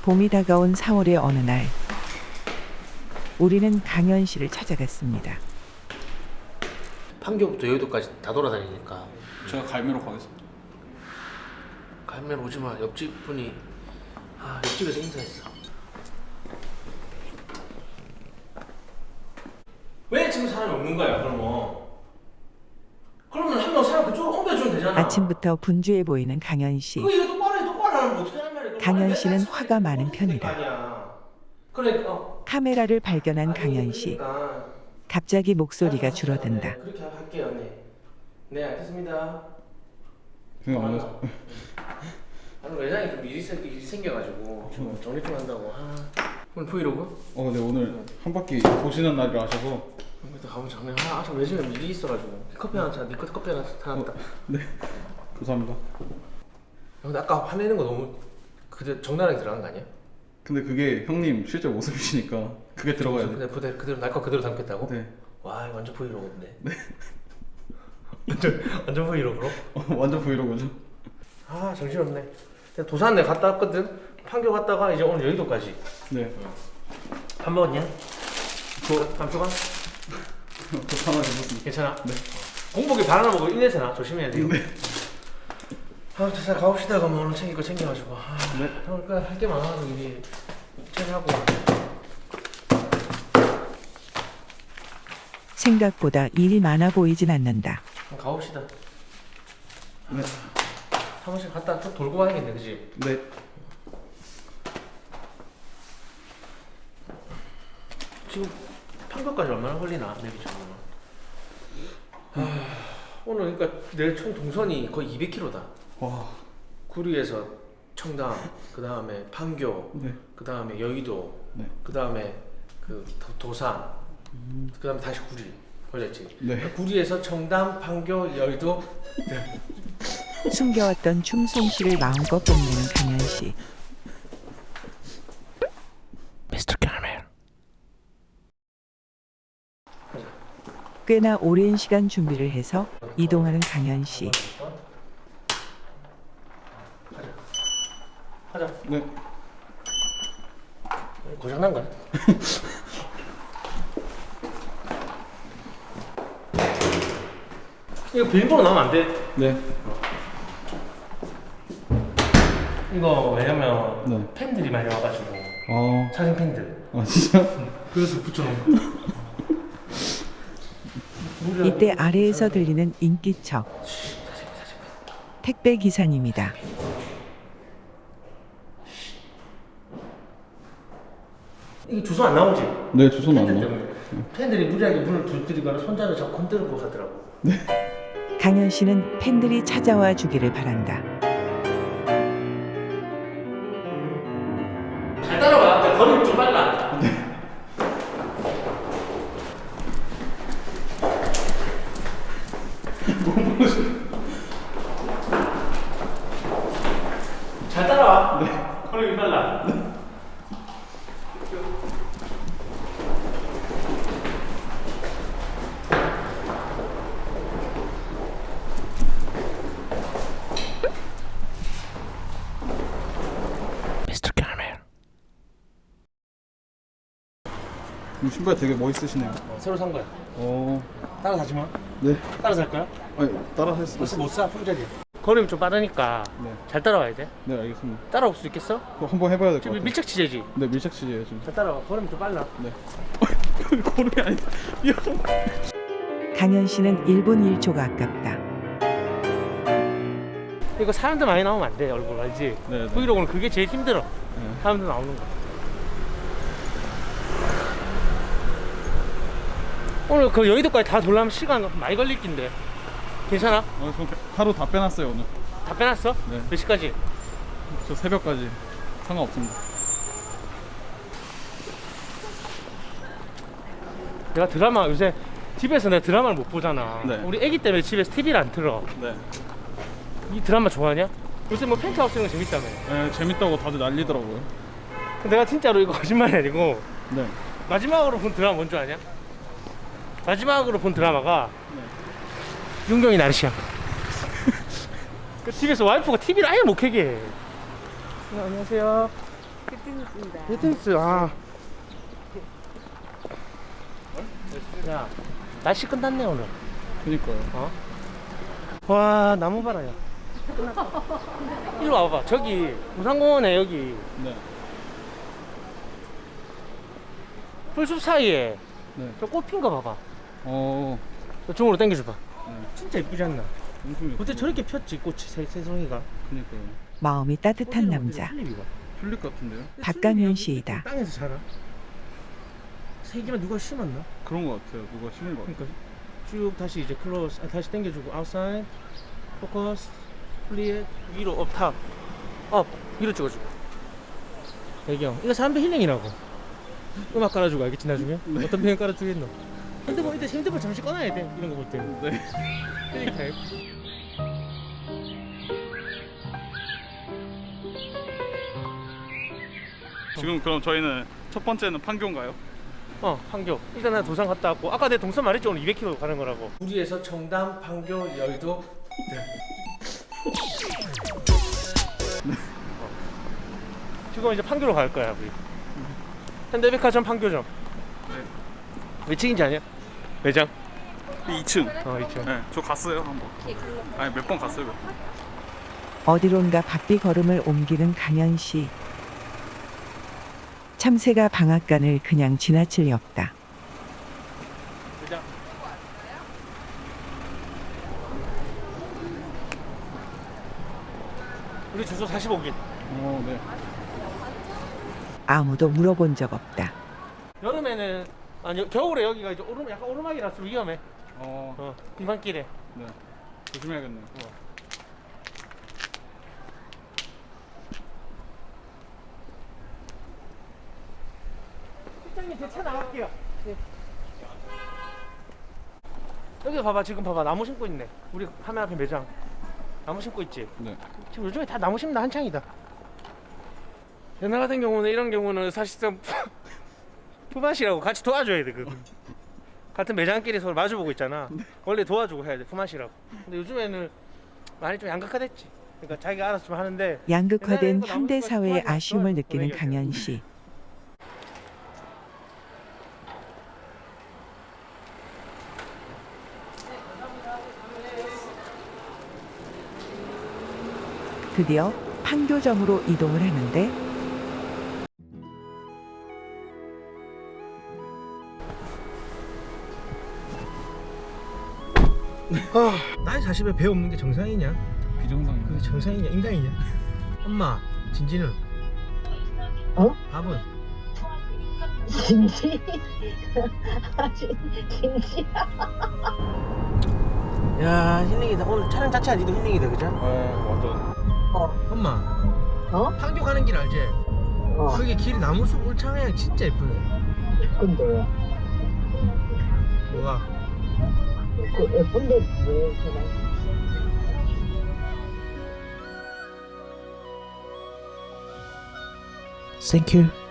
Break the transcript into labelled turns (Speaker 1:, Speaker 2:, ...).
Speaker 1: 봄이 다가온 4월의 어느 날, 우리는 강현 씨를 찾아갔습니다.
Speaker 2: 판교부터 여의도까지 다 돌아다니니까
Speaker 3: 제가 갈매로 가겠습니다.
Speaker 2: 가면 오지마. 옆집 분이 옆집에서 인사했어. 왜 지금 사람이 없는 거야 그러면 한 명 사람 그쪽으로 옮겨주면 되잖아.
Speaker 1: 아침부터 분주해 보이는 강현 씨.
Speaker 2: 그거 이거 똑바로 하면 어떻게 하는 말이야.
Speaker 1: 강현 씨는 화가 많은 편이다.
Speaker 2: 그래
Speaker 1: 카메라를 발견한 강현 씨. 갑자기 목소리가 줄어든다.
Speaker 2: 그렇게 할게요. 네 알겠습니다.
Speaker 3: 오늘
Speaker 2: 오늘 매장이 좀 일이 생겨가지고 좀 정리 좀 한다고. 오늘 브이로그?
Speaker 3: 네, 오늘 한 바퀴 도시는 날이라 하셔서
Speaker 2: 그래도 가면 장난. 저 매장에 일이 있어가지고 커피 하나 사. 네 커피 하나 사놨다.
Speaker 3: 네, 감사합니다.
Speaker 2: 근데 아까 화내는 거 너무 그대 적나라하게 들어간 거 아니야?
Speaker 3: 근데 그게 형님 실제 모습이시니까 그게 들어가야 돼.
Speaker 2: 그대로 날 거 그대로 담겠다고?
Speaker 3: 네.
Speaker 2: 와 완전 브이로그인데. 네. 완전 브이로그로?
Speaker 3: 완전 브이로그죠.
Speaker 2: 정신없네. 도산 내가 갔다 왔거든. 판교 갔다가 이제 오늘 여의도까지.
Speaker 3: 네.
Speaker 2: 밥 먹었냐? 감초가?
Speaker 3: 저 하나 드셨습니다.
Speaker 2: 괜찮아? 네. 공복에 바나나 먹고 인내세나 조심해야 돼. 네. 자 가봅시다. 그럼 오늘 챙길 거 챙겨가지고.
Speaker 3: 네.
Speaker 2: 그러니까 할 게 많아서 이게 체크하고.
Speaker 1: 생각보다 일이 많아 보이진 않는다.
Speaker 2: 가봅시다.
Speaker 3: 네.
Speaker 2: 한 번씩 갔다 좀 돌고 와야겠네, 그지?
Speaker 3: 네.
Speaker 2: 지금 판교까지 얼마나 걸리나, 내 기준으로. 오늘 그러니까 내 총 동선이 거의 200km다.
Speaker 3: 와.
Speaker 2: 구리에서 청담, 그 다음에 판교,
Speaker 3: 네.
Speaker 2: 그 다음에 여의도,
Speaker 3: 네.
Speaker 2: 그 다음에 그 도산, 그 다음에 다시 구리. 걸렸지?
Speaker 3: 네.
Speaker 2: 구리에서 청담, 판교, 여의도.
Speaker 1: 숨겨왔던 춤솜씨를 마음껏 뽐내는 강현 씨.
Speaker 2: 미스터 카멜.
Speaker 1: 꽤나 오랜 시간 준비를 해서 이동하는 강현 씨.
Speaker 2: 가자.
Speaker 3: 네.
Speaker 2: 고장난 거야? 이거 비밀번호 나오면 안 돼.
Speaker 3: 네.
Speaker 2: 이거 왜냐면
Speaker 3: 네.
Speaker 2: 팬들이 많이 와가지고 사진 팬들.
Speaker 3: 진짜?
Speaker 2: 그래서 붙여놓은
Speaker 1: 이때 아래에서 들리는 인기척. 택배 기사님이다.
Speaker 2: 이게 주소 안 나오지?
Speaker 3: 네, 주소는 안
Speaker 2: 팬들
Speaker 3: 나와요.
Speaker 2: 때문에. 팬들이 무리하게 문을 두드리거나 손잡이 잡고 흔들고 가더라고.
Speaker 1: 강현 씨는 팬들이 찾아와 주기를 바란다.
Speaker 2: 잘 따라와. 걸음이 좀 빨라. 잘 따라와. 네. 걸음이 빨라. 미스터 카멜.
Speaker 3: 신발 되게 멋있으시네요.
Speaker 2: 새로 산 거야.
Speaker 3: 어.
Speaker 2: 따라 사지 마.
Speaker 3: 네.
Speaker 2: 따라 살 거야?
Speaker 3: 아니, 따라 할 수도
Speaker 2: 벌써
Speaker 3: 있어요.
Speaker 2: 못 사. 품절이야. 걸음이 좀 빠르니까
Speaker 3: 네.
Speaker 2: 잘 따라와야 돼.
Speaker 3: 네, 알겠습니다.
Speaker 2: 따라올 수 있겠어?
Speaker 3: 그거 한번 해봐야 될 것
Speaker 2: 지금
Speaker 3: 같아요.
Speaker 2: 밀착 취재지.
Speaker 3: 네, 밀착 취재예요 지금.
Speaker 2: 잘 따라와. 걸음이 좀 빨라.
Speaker 3: 네. 고름이 아니다.
Speaker 1: 강현 씨는 1분 1초가 아깝다.
Speaker 2: 이거 사람들 많이 나오면 안 돼. 얼굴 알지?
Speaker 3: 네, 네.
Speaker 2: 브이로그는 그게 제일 힘들어.
Speaker 3: 네.
Speaker 2: 사람들 나오는 거. 오늘 그 여의도까지 다 돌려면 시간 많이 걸릴 낀데. 괜찮아?
Speaker 3: 저 하루 다 빼놨어요 오늘.
Speaker 2: 다 빼놨어?
Speaker 3: 네.
Speaker 2: 몇 시까지?
Speaker 3: 저 새벽까지 상관없습니다.
Speaker 2: 내가 드라마 요새 집에서 내가 드라마를 못 보잖아.
Speaker 3: 네.
Speaker 2: 우리 애기 때문에 집에서 TV를 안 틀어.
Speaker 3: 네.
Speaker 2: 이 드라마 좋아하냐? 요새 뭐 펜트하우스 이런 거 재밌다며.
Speaker 3: 네, 재밌다고 다들 난리더라고요.
Speaker 2: 내가 진짜로 이거 거짓말이 아니고
Speaker 3: 네.
Speaker 2: 마지막으로 본 드라마 뭔 줄 아냐? 마지막으로 본 드라마가 윤경이 나르시야. 그 집에서 와이프가 TV를 아예 못 켜게 해. 안녕하세요.
Speaker 4: 배트니스입니다.
Speaker 2: 배트니스 야 날씨 끝났네 오늘.
Speaker 3: 그니까요.
Speaker 2: 와 나무 봐라 야. 일로 와봐. 저기 부산공원에 여기
Speaker 3: 네.
Speaker 2: 풀숲 사이에
Speaker 3: 네.
Speaker 2: 저 꽃 핀 거 봐봐.
Speaker 3: 어.
Speaker 2: 저 중으로 당겨줘봐.
Speaker 3: 네.
Speaker 2: 진짜 이쁘지 않나?
Speaker 3: 엄청 예쁘죠.
Speaker 2: 그때 저렇게 폈지 꽃이 새송이가.
Speaker 3: 그니까요.
Speaker 1: 마음이 따뜻한 남자.
Speaker 2: 튤립이가.
Speaker 3: 튤립 같은데요?
Speaker 1: 박강현 씨이다.
Speaker 2: 땅에서 자라. 세 개만 누가 심었나?
Speaker 3: 그런 거 같아요. 누가 심은 거 같아요.
Speaker 2: 그러니까 쭉 다시 이제 클로즈 다시 당겨주고 아웃사이드 포커스 플리에 위로 업탑 업 위로 찍어주고 배경 이거 사람들 힐링이라고. 음악 깔아주고 알겠지 나중에? 어떤 배경 깔아주겠노? 핸드폰 잠시 꺼놔야 돼 이런 거 볼 때는.
Speaker 3: 네.
Speaker 2: 힐링 타입.
Speaker 3: 지금 그럼 저희는 첫 번째는 판교인가요?
Speaker 2: 판교. 일단 나 도산 갔다 왔고 아까 내 동선 말했지 오늘 200km 가는 거라고. 우리에서 청담, 판교, 여의도. 지금 이제 판교로 갈 거야 우리. 현대백화점 판교점.
Speaker 3: 네.
Speaker 2: 몇 층인지 아냐? 매장?
Speaker 3: 2층.
Speaker 2: 2층.
Speaker 3: 네. 저 갔어요 한번. 아니 몇 번 갔어요.
Speaker 1: 어디론가 바삐 걸음을 옮기는 강현 씨. 참새가 방앗간을 그냥 지나칠 리 없다.
Speaker 2: 매장. 우리 주소 45길.
Speaker 3: 네.
Speaker 1: 아무도 물어본 적 없다.
Speaker 2: 여름에는 아니 겨울에 여기가 이제 약간 오르막이라서 위험해. 빙판길에.
Speaker 3: 네. 조심해야겠네요.
Speaker 2: 실장님 제 차 나갈게요. 네. 여기 봐봐 지금 봐봐 나무 심고 있네. 우리 화면 앞에 매장 나무 심고 있지.
Speaker 3: 네.
Speaker 2: 지금 요즘에 다 나무 심는 한창이다. 옛날 같은 경우는 이런 경우는 사실상 품앗이라고 같이 도와줘야 돼. 같은 매장끼리 서로 마주보고 있잖아. 원래 도와주고 해야 돼 품앗이라고. 근데 요즘에는 많이 좀 양극화됐지. 그러니까 자기가 알아서 좀 하는데
Speaker 1: 양극화된 현대 사회의 아쉬움을 느끼는 강현 씨. 드디어 판교점으로 이동을 하는데
Speaker 2: 나이 40에 배 없는 게 정상이냐?
Speaker 3: 비정상이요.
Speaker 2: 그게 정상이냐? 인간이냐? 엄마 진지는? 밥은?
Speaker 4: 김치. 김치.
Speaker 2: 야 힐링이다. 오늘 촬영 자체가 니도 힐링이다 그죠?
Speaker 3: 완전.
Speaker 2: 엄마 판교 가는 길 알지?
Speaker 4: 어.
Speaker 2: 거기 길이 나무숲 울창하양 진짜 예쁘네.
Speaker 4: 근데
Speaker 2: 뭐가?
Speaker 4: 그 예쁜데 왜 저래?
Speaker 2: Thank you.